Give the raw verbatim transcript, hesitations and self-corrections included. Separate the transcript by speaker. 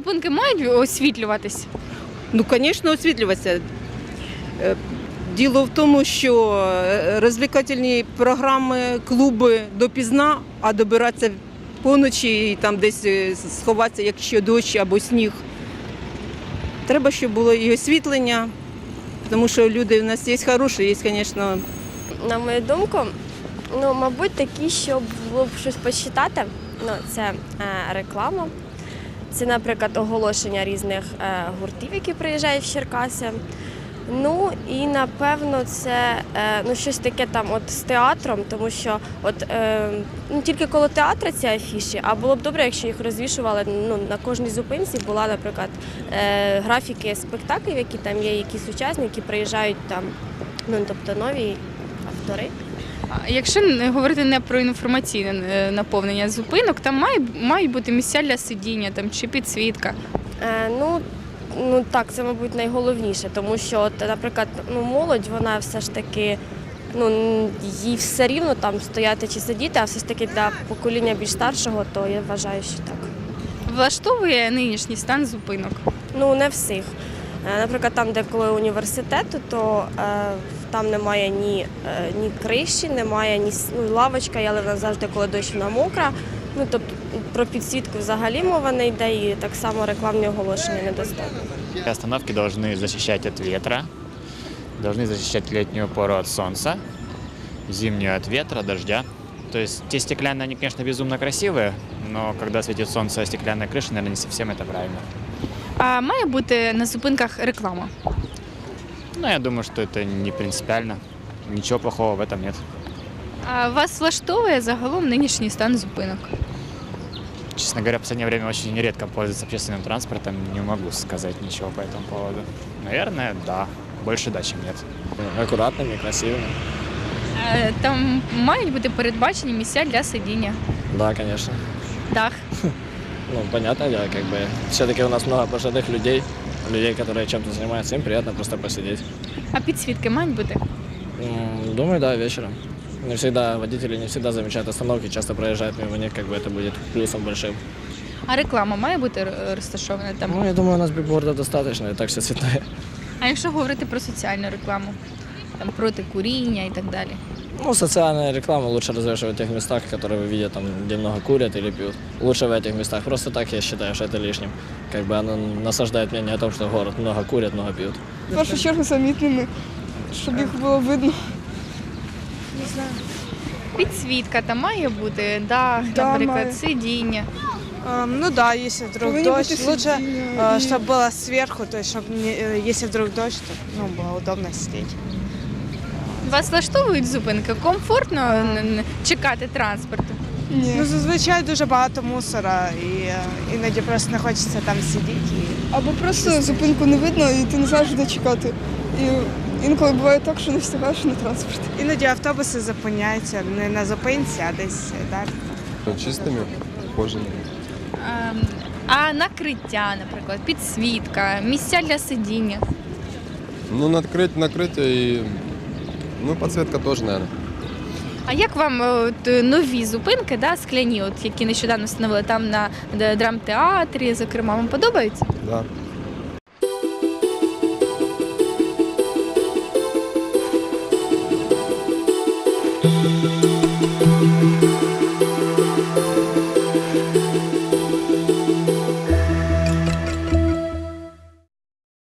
Speaker 1: зупинки мають освітлюватись?
Speaker 2: Ну, звісно, освітлюватися. Е, Діло в тому, що розвлекательні програми, клуби допізна, а добиратися поночі і там десь сховатися, якщо дощ або сніг. Треба, щоб було і освітлення, тому що люди в нас є хороші, є, звісно.
Speaker 3: На мою думку, ну, мабуть, такі, щоб було б щось почитати. Ну, це е, реклама. Це, наприклад, оголошення різних е, гуртів, які приїжджають в Черкаси. Ну і напевно це е, ну, щось таке там от з театром, тому що от, е, ну, тільки коло театру ці афіші, а було б добре, якщо їх розвішували, ну, на кожній зупинці була, наприклад, е, графіки спектаклів, які там є, якісь учасники приїжджають там, ну, тобто нові автори.
Speaker 1: А якщо не- говорити не про інформаційне е, наповнення зупинок, там має, мають бути місця для сидіння там, чи підсвітка.
Speaker 3: Е, ну, ну так, це, мабуть, найголовніше, тому що, от, наприклад, ну, молодь, вона все ж таки, ну, їй все рівно там стояти чи сидіти, а все ж таки для покоління більш старшого, то я вважаю, що так.
Speaker 1: Влаштовує нинішній стан зупинок?
Speaker 3: Ну, не всіх. Е, Наприклад, там, де коли університету, то е, там немає ні, е, ні криші, немає ні с- ну, лавочка, але вона завжди, коли дощ, вона мокра. Ну, тобто про підсвітку взагалі мова не йде, і так само рекламні оголошення недостатньо.
Speaker 4: Остановки должны защищать от ветра, должны защищать летнюю пору от солнца, зимнюю от ветра, дождя. То есть те стеклянные, они, конечно, безумно красивые, но когда светит солнце, а стеклянная крыша, наверное, не совсем это правильно.
Speaker 1: А має бути на зупинках реклама?
Speaker 4: Но я думаю, что это не принципиально. Ничего плохого в этом нет.
Speaker 1: А вас влаштовує загалом нинішній стан зупинок?
Speaker 4: Честно говоря, в последнее время очень редко пользуюсь общественным транспортом, не могу сказать ничего по этому поводу. Наверное, да. Больше да, чем нет.
Speaker 5: Аккуратными, красивыми.
Speaker 1: Е, Там мають бути передбачені місця для сидіння.
Speaker 5: Да, конечно.
Speaker 1: Дах.
Speaker 5: Ну, понятное дело, как бы все-таки у нас много пожилых людей, людей, которые чем-то занимаются, им приятно просто посидеть.
Speaker 1: А підсвітки мають бути?
Speaker 5: М, Думаю, да, вечером. Не всегда водители не всегда замечают остановки, часто проезжают мимо них, как бы это будет плюсом большим.
Speaker 1: А реклама має бути р- розташована там?
Speaker 5: Ну, я думаю, у нас бигбордов достаточно, и так все цветное.
Speaker 1: А якщо говорити про соціальну рекламу? Там проти куріння і так далі.
Speaker 5: Ну, социальная реклама лучше развешивать в тех местах, которые вы видите, там, где много курят или пьют. Лучше в этих местах. Просто так я считаю, что это лишним. Как бы оно насаждает мнение о том, что город много курят, много пьют.
Speaker 6: В першу чергу замітними, щоб їх було видно.
Speaker 1: Підсвітка там має бути, дах,
Speaker 6: Да,
Speaker 1: наприклад,
Speaker 6: має.
Speaker 1: сидіння.
Speaker 7: Эм, Ну да, если вдруг
Speaker 6: Повинні
Speaker 7: дождь,
Speaker 6: бути
Speaker 7: лучше,
Speaker 6: сидіння
Speaker 7: э,
Speaker 6: і-
Speaker 7: чтобы было сверху, то есть, чтобы не, э, если вдруг дождь, то ну, было удобно сидеть.
Speaker 1: Вас влаштовують зупинки? Комфортно н- н- чекати транспорту?
Speaker 6: Ні.
Speaker 7: Ну, зазвичай дуже багато мусора, і е, іноді просто не хочеться там сидіти. І...
Speaker 6: Або просто зупинку не видно і ти не знаєш, де чекати. І інколи буває так, що не встигаєш на транспорт.
Speaker 7: Іноді автобуси зупиняються не на зупинці, а десь далі.
Speaker 8: Чистими, ухоженими.
Speaker 1: Ем, А накриття, наприклад, підсвітка, місця для сидіння.
Speaker 8: Ну, накрыть, накрытие и... Ну, подсветка тоже, наверное.
Speaker 1: А як вам е, от, е, нові зупинки, да, скляні, от, які нещодавно встановили там на д- драмтеатрі, зокрема, вам подобаються?
Speaker 8: Да.